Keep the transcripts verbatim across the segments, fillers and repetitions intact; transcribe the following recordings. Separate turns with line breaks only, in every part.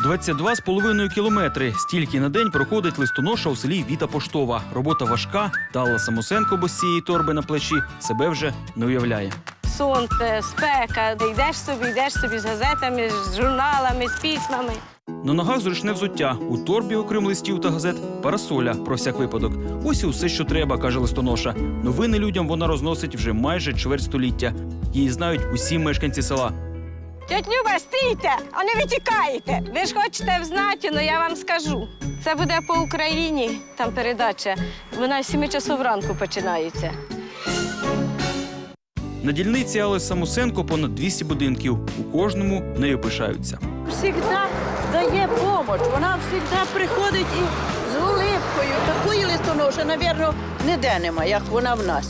двадцять два з половиною кілометри. Стільки на день проходить листоноша у селі Віта Поштова. Робота важка, та Алла Самусенко без цієї торби на плечі себе вже не уявляє.
Сонце, спека, йдеш собі, йдеш собі з газетами, з журналами, з письмами.
На ногах зручне взуття, у торбі, окрім листів та газет, парасоля про всяк випадок. Ось і все, що треба, каже листоноша. Новини людям вона розносить вже майже чверть століття. Її знають усі мешканці села.
Тьоть Люба, стійте, а не витікаєте. Ви ж хочете взнати, але я вам скажу. Це буде по Україні, там передача. Вона з сіми часов ранку починається.
На дільниці Алли Самусенко понад двісті будинків. У кожному нею пишаються.
Всегда дає допомогу. Вона завжди приходить і з улипкою. Такої листоноші, мабуть, ніде нема, як вона в нас.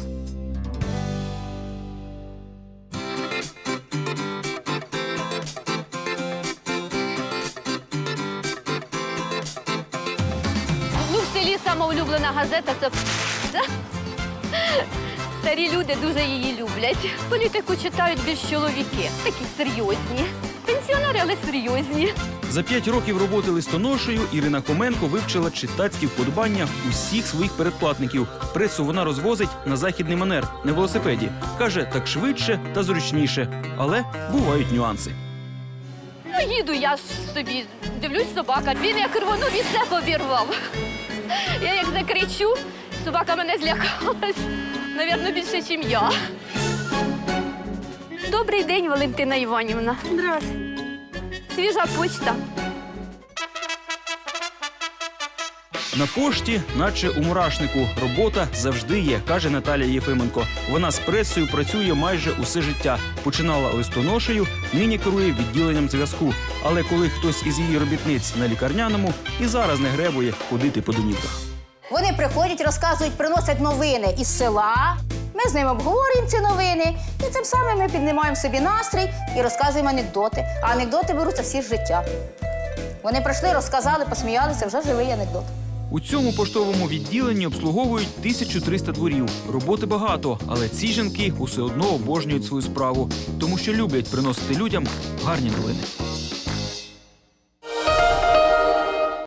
Ну, в селі сама улюблена газета – це «П***». Старі люди дуже її люблять. Політику читають більш чоловіки, такі серйозні. Пенсіонери, але серйозні.
За п'ять років роботи листоношею Ірина Хоменко вивчила читацькі вподобання усіх своїх передплатників. Пресу вона розвозить на західний манер, на велосипеді. Каже, так швидше та зручніше. Але бувають нюанси.
Ну, їду я собі, дивлюсь, собака. Він як рвонув і все обірвав. Я як закричу, собака мене злякалась. Навірно, більше, ніж я. Добрий день, Валентина Іванівна.
Здравствуйте.
Свіжа почта.
На пошті, наче у мурашнику, робота завжди є, каже Наталія Єфименко. Вона з пресою працює майже усе життя. Починала листоношею, нині керує відділенням зв'язку. Але коли хтось із її робітниць на лікарняному, і зараз не гребує ходити по домівках.
Вони приходять, розказують, приносять новини із села. Ми з ними обговорюємо ці новини. І цим самим ми піднімаємо собі настрій і розказуємо анекдоти. А анекдоти беруться всі з життя. Вони прийшли, розказали, посміялися, вже живий анекдот.
У цьому поштовому відділенні обслуговують тисячу триста дворів. Роботи багато, але ці жінки усе одно обожнюють свою справу, тому що люблять приносити людям гарні новини.